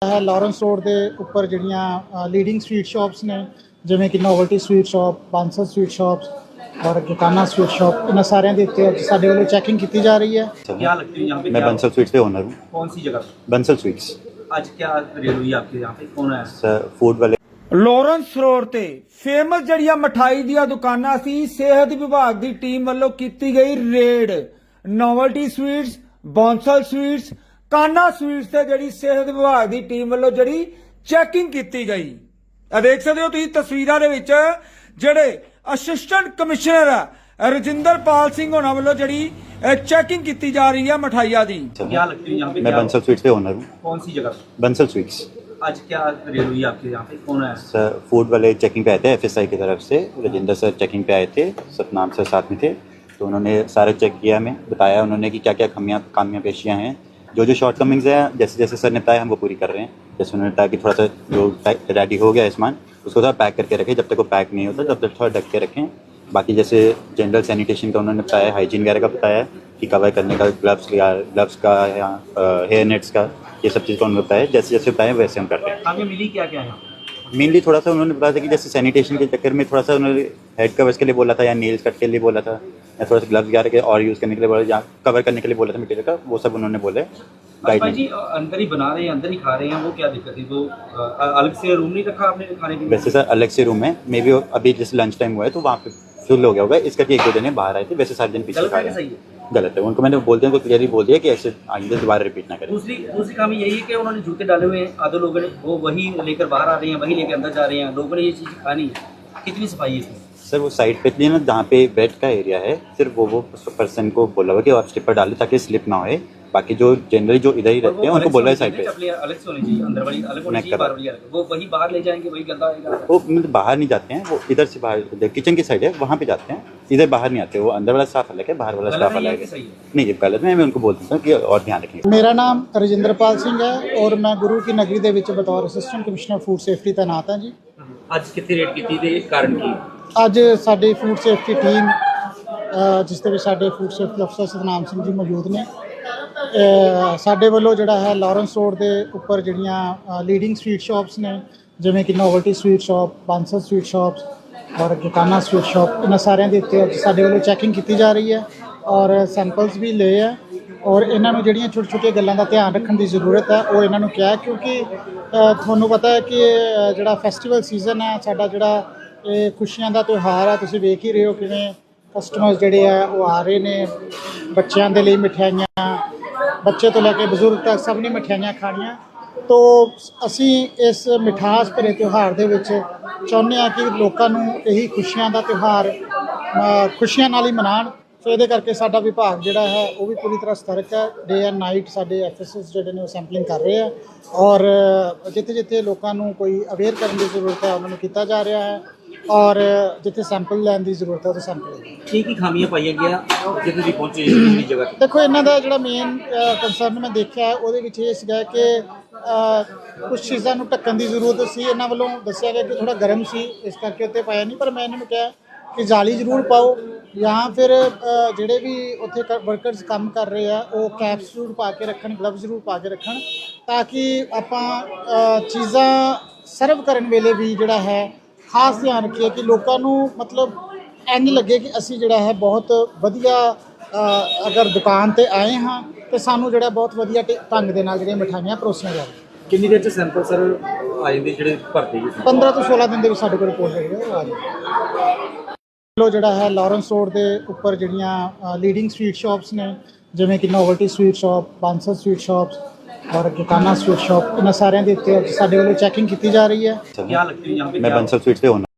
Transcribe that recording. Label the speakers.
Speaker 1: है Lawrence road के उपर जड़ियाँ लीडिंग स्वीट शॉप्स ने जिमें कि novelty sweet shop, Bansal sweet shops और गिकाना स्वीट शॉप, इन सारे के उत्ते साडे वालों चैकिंग की जा रही है।
Speaker 2: क्या लगती है यहाँ पे?
Speaker 3: मैं बंसल स्वीट्स के ओनर हूँ।
Speaker 2: कौन सी जगह?
Speaker 3: बंसल स्वीट्स।
Speaker 2: आज क्या रेड हुई आपके यहाँ पे? कौन है
Speaker 3: सर फूड वाले
Speaker 4: ਲੌਰੈਂਸ ਰੋਡ ਤੇ ਫੇਮਸ ਜਿਹੜੀਆਂ ਮਠਾਈ ਦੀਆਂ ਦੁਕਾਨਾਂ ਸੀ, ਸਿਹਤ ਵਿਭਾਗ ਦੀ ਟੀਮ ਵੱਲੋਂ ਕੀਤੀ ਗਈ raid. Novelty sweets, Bansal sweets, ਕਾਨਾ ਸਵੀਟਸ ਤੇ ਜਿਹੜੀ ਸਿਹਤ ਵਿਭਾਗ ਦੀ ਟੀਮ ਵੱਲੋਂ ਜਿਹੜੀ ਚੈਕਿੰਗ ਕੀਤੀ ਗਈ। ਆ ਦੇਖ ਸਕਦੇ ਹੋ ਤੁਸੀਂ ਤਸਵੀਰਾਂ ਦੇ ਵਿੱਚ ਜਿਹੜੇ ਅਸਿਸਟੈਂਟ ਕਮਿਸ਼ਨਰ ਆ ਰਜਿੰਦਰਪਾਲ ਸਿੰਘ ਹੋਣਾ ਵੱਲੋਂ ਜਿਹੜੀ ਚੈਕਿੰਗ ਕੀਤੀ ਜਾ ਰਹੀ ਹੈ ਮਠਾਈਆਂ ਦੀ।
Speaker 2: क्या लगती है यहाँ पे?
Speaker 3: मैं बंसल स्वीट्स के ओनर हूँ।
Speaker 2: कौन सी जगह?
Speaker 3: बंसल स्वीट्स।
Speaker 2: आज क्या रेड हुई आपके यहाँ पे? कौन है
Speaker 3: सर फूड वाले चेकिंग पे आए थे, एफएसआई की तरफ से राजेंद्र सर चेकिंग पे आए थे, सतनाम सर साथ में थे। तो उन्होंने सारा चेक किया, हमें बताया उन्होंने कि क्या क्या कामियाँ पेशियाँ हैं, जो शॉर्ट कमिंग्स हैं जैसे जैसे सर ने बताया हम वो पूरी कर रहे हैं। जैसे उन्होंने बताया कि थोड़ा सा जो रेडी हो गया सामान उसको थोड़ा पैक करके रखें, जब तक वो पैक नहीं होता तब तक थोड़ा ढक के रखें। बाकी जैसे जनरल सैनिटेशन का उन्होंने बताया, हाइजीन वगैरह का बताया कि कवर करने का, ग्लव्स का या हेयर नेट्स का, ये सब चीज़ का उन्होंने बताया। जैसे जैसे बताया वैसे हम कर रहे हैं।
Speaker 2: आगे मिली क्या क्या है?
Speaker 3: मेनली थोड़ा सा उन्होंने बताया था कि जैसे सैनिटेशन के चक्कर में थोड़ा सा उन्होंने हेड कवर्स के लिए बोला था या नेल्स कट के लिए बोला था या थोड़ा सा ग्लव्स वगैरह के और यूज़ करने के लिए बोला या कवर करने के लिए बोला था मटेरियल का, वो सब उन्होंने बोले।
Speaker 2: भाई जी अंदर ही बना रहे हैं, अंदर ही खा रहे हैं, वो क्या दिक्कत है? वो अलग से रूम नहीं रखा आपने खाने के लिए?
Speaker 3: वैसे सर अलग से रूम है, मे बी अभी जैसे लंच टाइम हुआ है तो वहाँ पे फुल हो गया होगा, इस करके 1-2 दिन बाहर आए थे, वैसे सारे दिन पीछे खा रहे हैं। गलत है, उनको मैंने बोलते हैं तो क्लियरली बोल दिया कि ऐसे आइंदा दोबारा रिपीट ना करें।
Speaker 2: दूसरी खामी यही है कि उन्होंने जूते डाले हुए हैं, आधे लोगों ने वो वही लेकर बाहर आ रहे हैं, वही लेकर अंदर जा रहे हैं, लोगों ने ये चीज़ खानी है। कितनी सफाई है इसमें?
Speaker 3: सर वो साइड पे इसलिए ना जहाँ पे बेड का एरिया है सिर्फ वो पर्सन को बोला हुआ कि आप स्लिपर डालें ताकि स्लिप ना होए। बाकी जो जनरली जो इधर ही रहते हैं उनको बोला है साइड पे
Speaker 2: अलग से होनी चाहिए, अंदर वाली अलग होनी चाहिए, बाहर वाली अलग। वो वही बाहर ले जाएंगे, वही गंदा होगा।
Speaker 3: वो मतलब बाहर नहीं जाते हैं, वो इधर से बाहर किचन की साइड है वहाँ पे जाते हैं, इधर बाहर नहीं आते। वो अंदर वाला स्टाफ अलग है, बाहर वाला स्टाफ अलग है। नहीं ये गलत है, मैं उनको बोल देता हूँ कि और ध्यान रखें।
Speaker 1: मेरा नाम रजिंदरपाल सिंह है और मैं गुरु की नगरी ਦੇ ਵਿੱਚ बतौर असिस्टेंट कमिश्नर फूड सेफ्टी तैनात ਹਾਂ जी।
Speaker 2: ਅੱਜ ਕਿੱਥੇ ਰੇਡ ਕੀਤੀ ਤੇ ਕਾਰਨ ਕੀ?
Speaker 1: ਅੱਜ ਸਾਡੀ ਫੂਡ ਸੇਫਟੀ ਟੀਮ ਜਿਸ ਦੇ ਵਿੱਚ ਸਾਡੇ ਫੂਡ ਸੇਫਟੀ ਅਫਸਰ ਸਤਨਾਮ ਸਿੰਘ ਜੀ ਮੌਜੂਦ ਨੇ, ਸਾਡੇ ਵੱਲੋਂ ਜਿਹੜਾ ਹੈ ਲੌਰੈਂਸ ਰੋਡ ਦੇ ਉੱਪਰ ਜਿਹੜੀਆਂ ਲੀਡਿੰਗ ਸਵੀਟ ਸ਼ਾਪਸ ਨੇ ਜਿਵੇਂ ਕਿ novelty sweet shop, Bansal sweet shops ਔਰ ਗਿਕਾਨਾ ਸਵੀਟ ਸ਼ਾਪ, ਇਹਨਾਂ ਸਾਰਿਆਂ ਦੇ ਉੱਤੇ ਸਾਡੇ ਵੱਲੋਂ ਚੈਕਿੰਗ ਕੀਤੀ ਜਾ ਰਹੀ ਹੈ ਔਰ ਸੈਂਪਲਸ ਵੀ ਲਏ ਆ ਔਰ ਇਹਨਾਂ ਨੂੰ ਜਿਹੜੀਆਂ ਛੋਟੀ ਛੋਟੀਆਂ ਗੱਲਾਂ ਦਾ ਧਿਆਨ ਰੱਖਣ ਦੀ ਜ਼ਰੂਰਤ ਹੈ ਉਹ ਇਹਨਾਂ ਨੂੰ ਕਿਹਾ, ਕਿਉਂਕਿ ਤੁਹਾਨੂੰ ਪਤਾ ਹੈ ਕਿ ਜਿਹੜਾ ਫੈਸਟੀਵਲ ਸੀਜ਼ਨ ਹੈ ਸਾਡਾ, ਜਿਹੜਾ ਇਹ ਖੁਸ਼ੀਆਂ ਦਾ ਤਿਉਹਾਰ ਹੈ, ਤੁਸੀਂ ਵੇਖ ਹੀ ਰਹੇ ਹੋ ਕਿਵੇਂ ਕਸਟਮਰਸ ਜਿਹੜੇ ਆ ਉਹ ਆ ਰਹੇ ਨੇ। ਬੱਚਿਆਂ ਦੇ ਲਈ ਮਠਿਆਈਆਂ, ਬੱਚੇ ਤੋਂ ਲੈ ਕੇ ਬਜ਼ੁਰਗ ਤੱਕ ਸਭ ਨੇ ਮਠਿਆਈਆਂ ਖਾਣੀਆਂ। ਤੋ ਅਸੀਂ ਇਸ ਮਿਠਾਸ ਭਰੇ ਤਿਉਹਾਰ ਦੇ ਵਿੱਚ ਚਾਹੁੰਦੇ ਹਾਂ ਕਿ ਲੋਕਾਂ ਨੂੰ ਇਹੀ ਖੁਸ਼ੀਆਂ ਦਾ ਤਿਉਹਾਰ ਖੁਸ਼ੀਆਂ ਨਾਲ ਹੀ ਮਨਾਉਣ। ਸੋ ਇਹਦੇ ਕਰਕੇ ਸਾਡਾ ਵਿਭਾਗ ਜਿਹੜਾ ਹੈ ਉਹ ਵੀ ਪੂਰੀ ਤਰ੍ਹਾਂ ਸਤਰਕ ਹੈ। ਡੇ ਐਂਡ ਨਾਈਟ ਸਾਡੇ ਐਫਐਸਐਸ ਜਿਹੜੇ ਨੇ ਉਹ ਸੈਂਪਲਿੰਗ ਕਰ ਰਹੇ ਆ ਔਰ ਜਿੱਥੇ ਜਿੱਥੇ ਲੋਕਾਂ ਨੂੰ ਕੋਈ ਅਵੇਅਰ ਕਰਨ ਦੀ ਜ਼ਰੂਰਤ ਹੈ ਉਹਨਾਂ ਨੂੰ ਕੀਤਾ ਜਾ ਰਿਹਾ ਹੈ ਔਰ ਜਿੱਥੇ ਸੈਂਪਲ ਲੈਣ ਦੀ ਜ਼ਰੂਰਤ ਹੈ ਉਹ ਸੈਂਪਲ।
Speaker 2: ਕੀ ਖਾਮੀਆਂ ਪਾਈਆਂ ਗਿਆ ਜਿੱਥੇ ਤੁਸੀਂ ਪਹੁੰਚੇ ਇਸ ਜਗ੍ਹਾ ਤੇ?
Speaker 1: ਦੇਖੋ ਇਹਨਾਂ ਦਾ ਜਿਹੜਾ ਮੇਨ ਕੰਸਰਨ ਮੈਂ ਦੇਖਿਆ ਉਹਦੇ ਵਿੱਚ ਇਹ ਸੀਗਾ ਕਿ ਕੁਛ ਚੀਜ਼ਾਂ ਨੂੰ ਢੱਕਣ ਦੀ ਜ਼ਰੂਰਤ ਸੀ। ਇਹਨਾਂ ਵੱਲੋਂ ਦੱਸਿਆ ਗਿਆ ਕਿ ਥੋੜ੍ਹਾ ਗਰਮ ਸੀ ਇਸ ਕਰਕੇ ਉੱਤੇ ਪਾਇਆ ਨਹੀਂ, ਪਰ ਮੈਂ ਇਹਨਾਂ ਨੂੰ ਕਿਹਾ ਕਿ ਜਾਲੀ ਜ਼ਰੂਰ ਪਾਓ ਜਾਂ ਫਿਰ ਜਿਹੜੇ ਵੀ ਉੱਥੇ ਵਰਕਰਸ ਕੰਮ ਕਰ ਰਹੇ ਆ ਉਹ ਕੈਪਸ ਜ਼ਰੂਰ ਪਾ ਕੇ ਰੱਖਣ, ਗਲਵਜ਼ ਜ਼ਰੂਰ ਪਾ ਕੇ ਰੱਖਣ ਤਾਂ ਕਿ ਆਪਾਂ ਚੀਜ਼ਾਂ ਸਰਵ ਕਰਨ ਵੇਲੇ ਵੀ ਜਿਹੜਾ ਹੈ ਖਾਸ ਧਿਆਨ ਰੱਖੀਏ ਕਿ ਲੋਕਾਂ ਨੂੰ ਮਤਲਬ ਇੰਝ ਲੱਗੇ ਕਿ ਅਸੀਂ ਜਿਹੜਾ ਹੈ ਬਹੁਤ ਵਧੀਆ ਅਗਰ ਦੁਕਾਨ 'ਤੇ ਆਏ ਹਾਂ ਅਤੇ ਸਾਨੂੰ ਜਿਹੜਾ ਬਹੁਤ ਵਧੀਆ ਢੰਗ ਦੇ ਨਾਲ ਜਿਹੜੀਆਂ ਮਿਠਾਈਆਂ ਪਰੋਸੀਆਂ ਜਾਣ।
Speaker 2: ਕਿੰਨੀ ਦੇਰ 'ਚ ਸੈਂਪਲ ਸਰ ਆ ਜਾਂਦੇ ਜਿਹੜੇ ਭਰਦੇ?
Speaker 1: 15 ਤੋਂ 16 ਦਿਨ ਦੇ ਵਿੱਚ ਸਾਡੇ ਕੋਲ ਰਿਪੋਰਟ ਜਿਹੜੀ ਹੈ ਉਹ ਆ ਜਾਂਦੀ। ਜਿਹੜਾ ਹੈ ਲੌਰੈਂਸ ਰੋਡ ਦੇ ਉੱਪਰ ਜਿਹੜੀਆਂ ਲੀਡਿੰਗ ਸਵੀਟ ਸ਼ਾਪਸ ਨੇ ਜਿਵੇਂ ਕਿ novelty sweet shop, Bansal sweet shops और गिकाना स्वीट शॉप, इन सारे के उत्ते ਸਾਡੇ ਵੱਲੋਂ ਚੈਕਿੰग ਕੀਤੀ ਜਾ ਰਹੀ है।
Speaker 2: क्या लगती है यहाँ पे?
Speaker 3: मैं बंसल स्वीट्स के ओनर